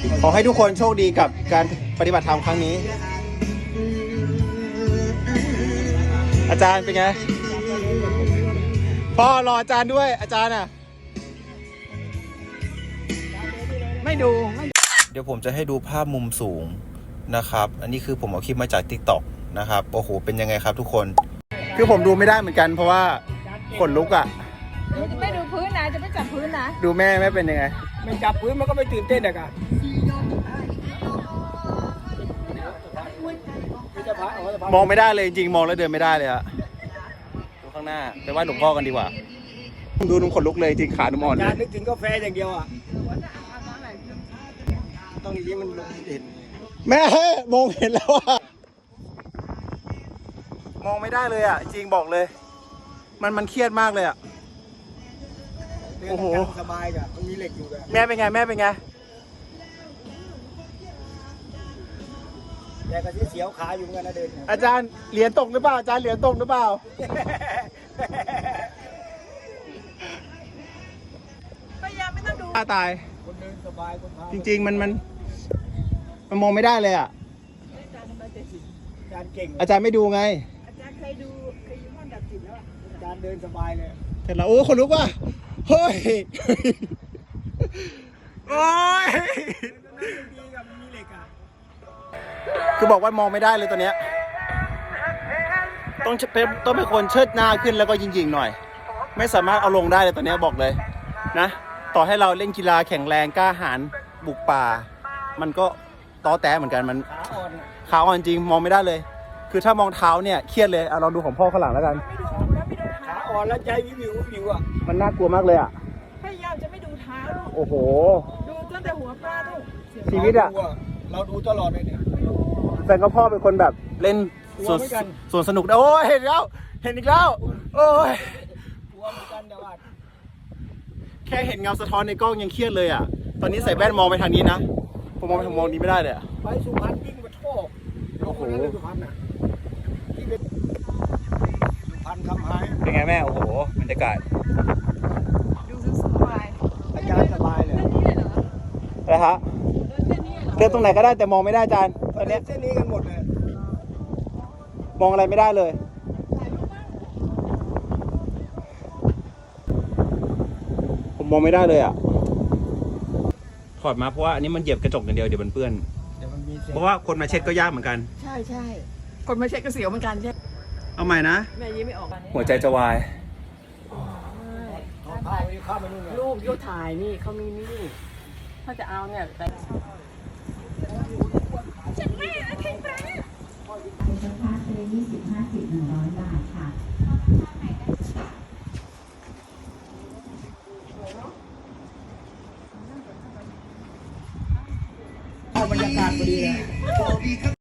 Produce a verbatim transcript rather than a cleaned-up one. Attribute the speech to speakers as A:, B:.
A: ขอให้ทุกคนโชคดีกับการปฏิบัติธรรมครั้งนี้ อาจารย์เป็นไงพ่อรออาจารย์ด้วยอาจารย์อ่ะไม่ดูเดี๋ยวผมจะให้ดูภาพมุมสูงนะครับอันนี้คือผมเอาคลิปมาจาก ติ๊กต็อก นะครับโอ้โหเป็นยังไงครับทุกคนคือผมดูไม่ได้เหมือนกันเพราะว่าขนลุกอ่ะ
B: ไม่ดูพื้นนะจะไม่จับพื้นนะ
A: ดูแม่แม่เป็นยังไง
C: มันจับพื้นมันก็ไม่ตื่นเต้นอะกัน
A: มองไม่ได้เลยจริงมองแล้วเดินไม่ได้เลยอะดูข้างหน้าไปไหว้หลวงพ่อกันดีกว่าดูนุ่มขนลุกเลยจริงขานุ่มอ่อนเลย
C: นึกถึงกาแฟอย่างเดียวอ่ะต้องอย่างนี้มันลงเห็น
A: แม่มองเห็นแล้วอะมองไม่ได้เลยอะจริงบอกเลยมันมันเครียดมากเลยอะ
C: โอ้โหสบายกับมันมีเหล็กอยู่
A: แม่เป็นไงแม่เป็นไง
C: แต่ก็เสียวขาอยู่เหมือนกันนะเดิน
A: อาจารย์เหรียญตกหรือเปล่าอาจารย์เหรียญตกหรือเปล่า
B: พยายามไม่ต้องดู
A: ตาย
C: คนเดินสบายคนพา
A: จริงๆมันมันมันมองไม่ได้เลยอ่ะ
C: อาจารย์เก่ง
A: อาจารย์ไม่ดูไง
B: อาจารย์เคยดูเคยอยู่ห้องดับจิตแล้ว
C: อาจารย์เดินสบายเลย
A: เห็นแล้วโอ้คนลุกว่ะเฮ้ยโอ้ยคือบอกว่ามองไม่ได้เลยตัวเนี้ยต้องเป็นต้องเป็นคนเชิดหน้าขึ้นแล้วก็ยิงๆหน่อยไม่สามารถเอาลงได้เลยตัวเนี้ยบอกเลยนะต่อให้เราเล่นกีฬาแข็งแรงกล้าหาญบุกป่ามันก็ต้อแต้เหมือนกันมัน
C: ขาอ่อน
A: ขาอ่อนจริงมองไม่ได้เลยคือถ้ามองเท้าเนี่ยเครียดเลยเอาลองดูของพ่อข้างหลังแล้วกัน
C: ขาอ่อนแล้วใจวิววิววิวอ่ะ
A: มันน่ากลัวมากเลยอ่ะ
B: พยายามจะไม่ดูเท้าลูก
A: โอ้โห
B: ดูตั้งแต่หัวปลาลูก
A: ชีวิตอ่ะ
C: เราดูตลอดเลยเนี่ย
A: แฟนก็พ่อเป็นคนแบบเล่นส่วนส่วนสนุกโอ้ยเห็นแล้วเห็นอีกแล้วโอ้ยแค่เห็นเงาสะท้อนในกล้องยังเครียดเลยอ่ะตอนนี้ใส่แว่นมองไปทางนี้นะผมมองไปทางมองนี้ไม่ได้เลยอ่ะ
C: ไปสุพรรณวิ่งมาโชคโอ้โหสุพรรณอ่ะที่เป็นสุพรรณทำหาย
A: เป็นไงแม่โอ้โหบรรยากาศ
B: ดูสบาย
C: อาจารย์สบายเลย
A: อะไรฮะเดินตรงไหนก็ได้แต่มองไม่ได้อาจารย์ตอนนี้
C: เส้นนี้กันหมดเลย
A: มองอะไรไม่ได้เลยผมมองไม่ได้เลยอ่ะถอดมาเพราะว่าอันนี้มันเหยียบกระจกอย่างเดียวเดี๋ยวมันเปื้อนเพราะว่าคนมาเช็ดก็ยากเหมือนกัน
B: ใช่ใช่คนมาเช็ดก็เสียวเหมือนกันใช่
A: เอาใหม่นะ
B: แม่ยิ้มไม่ออก
A: หัวใจจะวาย
B: รูปยกถ่ายนี่เขามีนี่ถ้าจะเอาเนี่ยแต่ฉันไม่นะทิ้งไป
D: เป็นราคาเซยี่สิบห้าสิบหนึ่งร้อยบาทค่ะ
C: บรรยากาศพอดีเลย